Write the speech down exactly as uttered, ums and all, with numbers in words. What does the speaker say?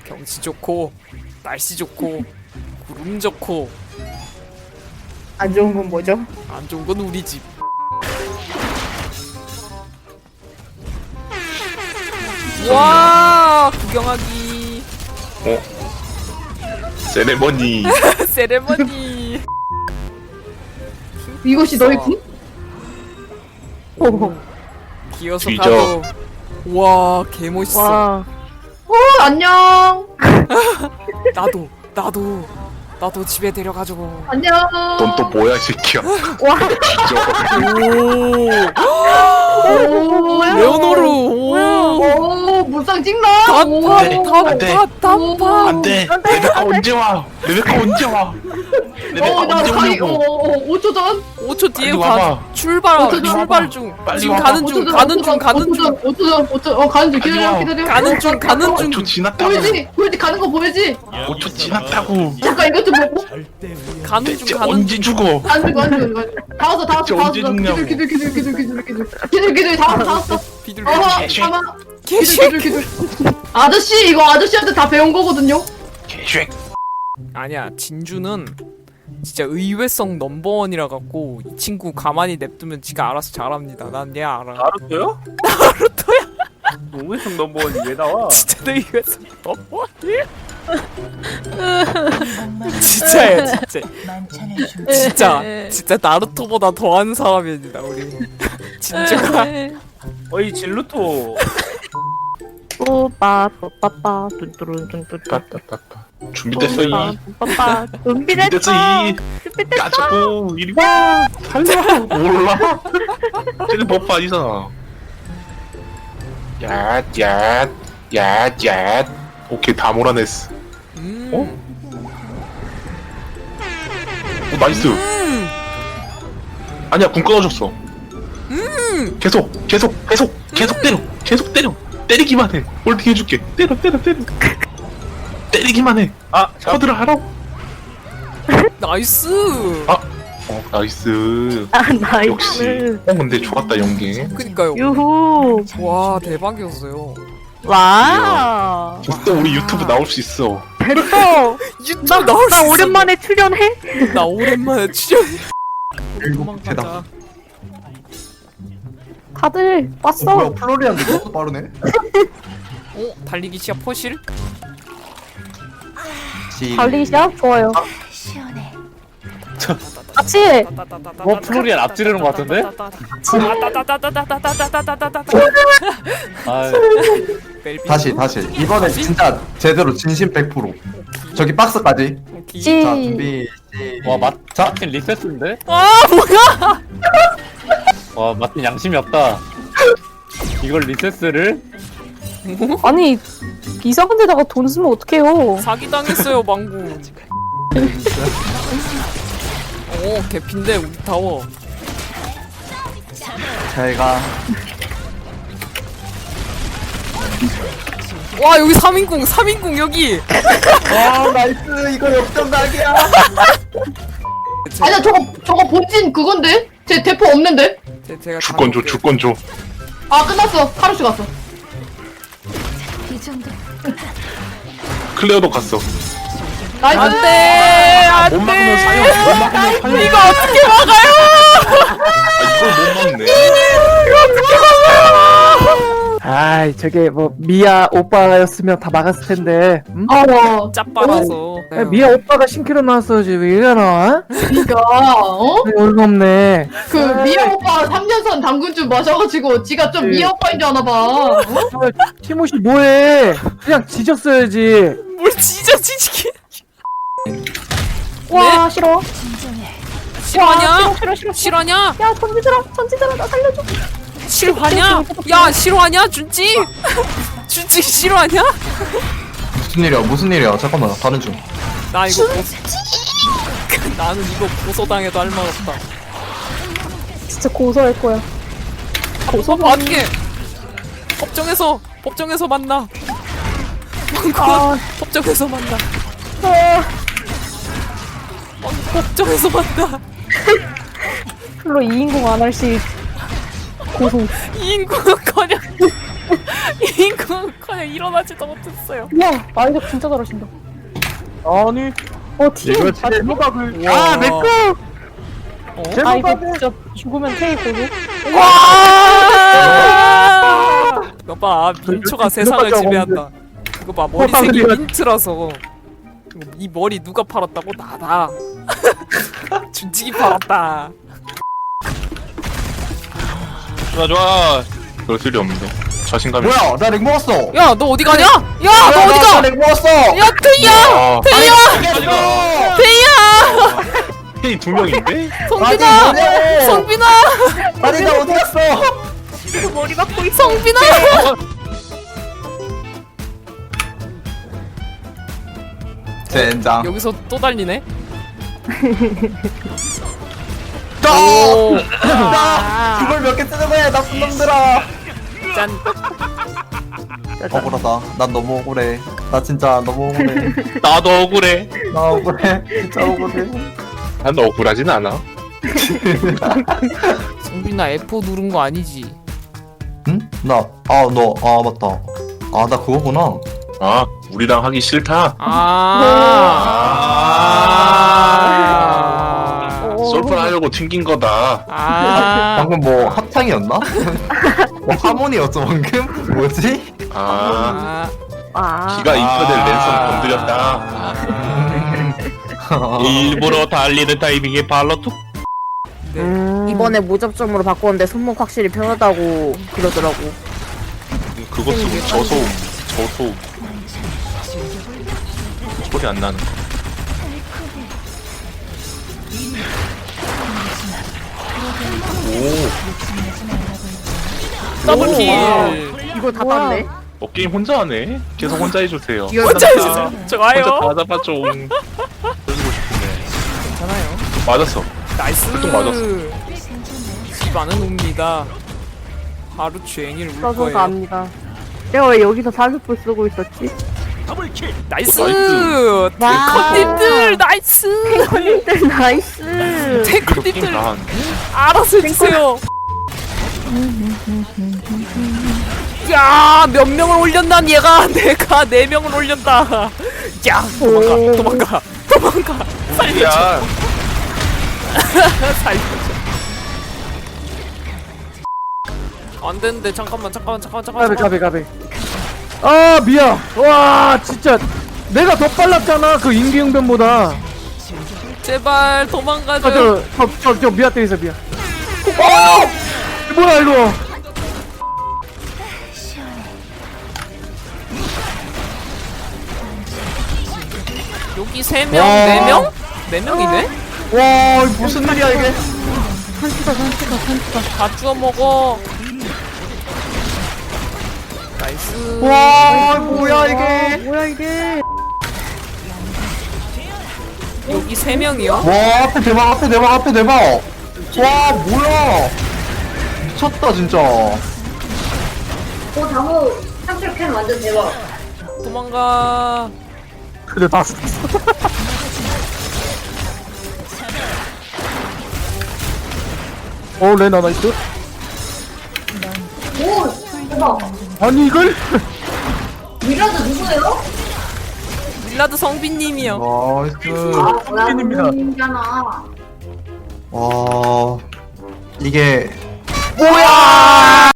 경치 좋고 날씨 좋고 구름 좋고 안 좋은 건 뭐죠? 안 좋은 건 우리 집. 와 구경하기. 어? 세레머니. 세레머니. 이것이 너의 궁? 오. 기어서 뒤져. 가도. 와 개멋있어. 와. 어, 안녕. 나도 나도 나도 집에 데려가줘. 안녕. 넌 또 뭐야 이 새끼야. 와. 뒤져. 오 뭐야? 레오노르. 오 오, 물상 찍나? 오. 안 돼. 단파 단파. 안돼. 레베카 언제 와? 레베카 언제 와? 레베카 어, 나 언제 가기, 어, 오냐고. 어, 오 초 전? 오 초 뒤에 빨리 가 와봐. 출발 오 초 전 출발 와봐. 중. 빨리 지금 와봐. 가는 중 가는 중 가는 중 오 초 전, 오 초, 어, 가는 중. 기다려, 빨리 와. 기다려. 가는 중 가는 중. 오 초 지났다고. 보이지? 보이지? 가는 거 보이지? 오 초 지났다고. 잠깐 이것 좀 보고. 가는 대체 중 가는 언제 중. 죽어? 가는 중, 가는 중, 가는 중. 다 왔어, 다 왔어, 대체 다 왔어. 언제 죽냐고. 기들, 기들, 기들, 기들, 기들, 기들. 기들, 기들, 다 왔어, 다 왔어. 비둘 어허, 개쉐. 가만. 개쉐. 기들, 기들, 기들. 아저씨, 이거 아저씨한테 다 배운 거거든요? 개쉐. 아니야 진주는 진짜 의외성 넘버원이라 갖고 이 친구 가만히 냅두면 지가 알아서 잘합니다. 난 얘 알아. 나루토요? 나루토야. 우회성 넘버원이 왜 나와? 진짜 내 의외성 넘버원이야. 진짜야 진짜. 진짜 진짜 나루토보다 더한 사람입니다 우리. 진주가. 어이 진루토. 오빠, 빠빠빠, 뚠뚜룬, 뚠뚜룬. 빠빠빠빠. 준비됐어 이. 빠빠, 준비됐어. 준비됐어 이. 가자고 이리 와. 살려. 몰라. 쟤는 버프 아니잖아. 야, 야, 야, 야. 오케이 다 몰아냈어. 음. 어? 오 나이스. 음. 아니야 궁 끊어졌어. 음. 계속 계속 계속 계속 때려 계속 때려 때리기만 해. 홀딩 해줄게. 때려 때려 때려. 때리기만 해. 아, 자, 커드를 하라고. 나이스. 아, 어 나이스. 아, 나이스. 역시. 어 근데 좋았다 연기. 그니까요. 유후. 와 대박이었어요. 와. 진짜 우리 유튜브 나올 수 있어. 됐어. 유튜브 나, 나올 수 나 있어. 오랜만에 출연해? 나 오랜만에 출연해. 일곱 개다. 다들 어, 왔어. 뭐야 플로리안도 너무 빠르네. 어 달리기 시합 포실? 시- 달리기 시작? 좋아요. 같이. 뭐 플로리안 앞지르는 것 같은데? 아, 다시 다시 이번에 진짜 제대로 진심 백 퍼센트. 저기 박스까지. 시. 자 준비. 시- 와 맛, 자 마틴 리셋인데? 아 뭐야? 와 마틴 양심이 없다. 이걸 리셋을? 아니 이상한 데다가 돈 쓰면 어떡해요. 사기 당했어요 망구. 오 개핀데 우리 타워. 제가 와 여기 삼 인공 삼 인공 여기. 와 나이스 이거 역전각이야. 아니야 저거 저거 본진 그건데? 제 대포 없는데? 제, 제가 주권 줘 주권 줘. 아 끝났어. 하루씩 갔어. 클레어도 갔어. 나이스. 안돼 못 막으면 안돼. 사형. 못 막으면 사형. 이거 어떻게 막아요? 아 이걸 못 막네. 아이 저게 뭐 미아 오빠였으면 다 막았을 텐데 응? 어. 짭빨아서. 야, 미아 오빠가 신기로 나왔어야지 왜 이러나? 그니까 어? 어이가 없네. 그 미아 오빠 삼 년산 당근주 마셔가지고 지가 좀 그- 미아 오빠인 줄 아나봐. 어? 티모시 뭐해? 그냥 지졌어야지. 뭘 진짜 지지게. 와 싫어. 실화냐? 싫어 싫어 싫어. 실화냐? 야 전지들아 전지들아 나 살려줘. 실화냐? 야 실화냐 준지? 준지 실화냐? 무슨 일이야 무슨 일이야 잠깐만 다른 중. 나 이거 보소... 나는 이거 고소당해도 할 말 없다. 진짜 고소할 거야. 고소 받게. 법정에서 법정에서 만나. 아, 법정에서 만나. 아, 어, 법정에서 만나. 별로 이 인공 안 할 시 고소. 이 인구는커녕 이거 그냥 일어나지도 못했어요. 야, 아이들 진짜 잘하신다. 아니 어, 팀. 이거 진짜 제목각을 우와. 아 내꺼 어? 아, 이거 제목각을 진짜 죽으면 테이 보고. 와! 이거 봐, 민초가 이거 세상을 진짜 지배한다. 이거 봐, 머리색이 호빵들이야. 민트라서. 이 머리 누가 팔았다고? 나다. 준직이 팔았다. 좋아 좋아. 그럴 필요 없는데. 자신감이. 뭐야 나 렉 먹었어. 야, 너 어디 가냐? 야, 너 어디 가? 나렉 먹었어. 야, 트이야! 아, 트이야! 트이야! 헤이 두 명인데? 성빈아! 뭐냐고. 성빈아! 아니 나 어디 갔어? 머리 막고 있어. 성빈아! 젠장. 여기서 또 달리네? 또! 오! 나 그걸 몇 개 쓰는 거야 나쁜 놈들아. 짠! 억울하다. 난 너무 억울해. 나 진짜 너무 억울해. 나도 억울해. 나 억울해. 진짜 억울해. 난 억울하진 않아. 성빈아, 에프 누른 거 아니지? 응? 나, 아, 너, 아, 맞다. 아, 나 그거구나. 아, 우리랑 하기 싫다. 아. 솔플 하려고 튕긴 거다. 아. 방금 뭐 합창이었나? 뭐 하모니였어 방금? 뭐지? 아, 아. 아. 기가 인터넷 랜선 건드렸다. 일부러 달리는 타이밍에 발로 툭. 네. 이번에 무접점으로 바꿨는데 손목 확실히 편하다고 그러더라고. 그거 쓰고 저소음, 저소음. 소리 안 나는 거. 오, 더블킬. 이걸 다 뭐야. 땄네. 어, 게임 혼자 하네. 계속 혼자 해주세요. 이거 혼자 해주세요. 혼자 좋아요. 다 잡아줘. 해주고 싶은데. 괜찮아요. 맞았어. 나이스. 보통 맞았어. 집안은 옵니다. 하루 종일 울 써서 거예요. 압니다. 내가 왜 여기서 사슴뿔 쓰고 있었지? 나이스. 나이스. 탱커님들 나이스. 탱커님들 나이스. 게임 탱커님들 다 하는데? 알아서 해주세요. 야, 몇 명을 올렸난 얘가 내가 네 명을 올렸다. 야, 도망가, 도망가, 도망가. 살려줘, 야, 살려줘. 안 되는데 잠깐만, 잠깐만, 잠깐만, 잠깐만. 가비 가비 가비 아 미야 와 진짜 내가 더 빨랐잖아 그 인기응변보다 제발 도망가줘. 아저저저 저, 미야 때리세요 미야 어 뭐야 이거 여기 세 명, 와. 네 명, 네 명이네. 와, 이거 무슨 일이야 이게? 다 주워 먹어. 나이스. 와, 뭐야 이게? 뭐야 이게? 여기 세 명이요? 와, 앞에 대박, 앞에 대박, 앞에 대박. 와, 뭐야? 미쳤다 진짜. 어, 장호 삼킬캔 완전 대박. 도망가. 근데 다 썼어 어 레나 나이스 오, 대박. 아니 이걸 미라도 누구예요? 밀라드 성빈님이요. 나이스. 아, 뭐야, 팬입니다. 선생님이잖아. 와, 이게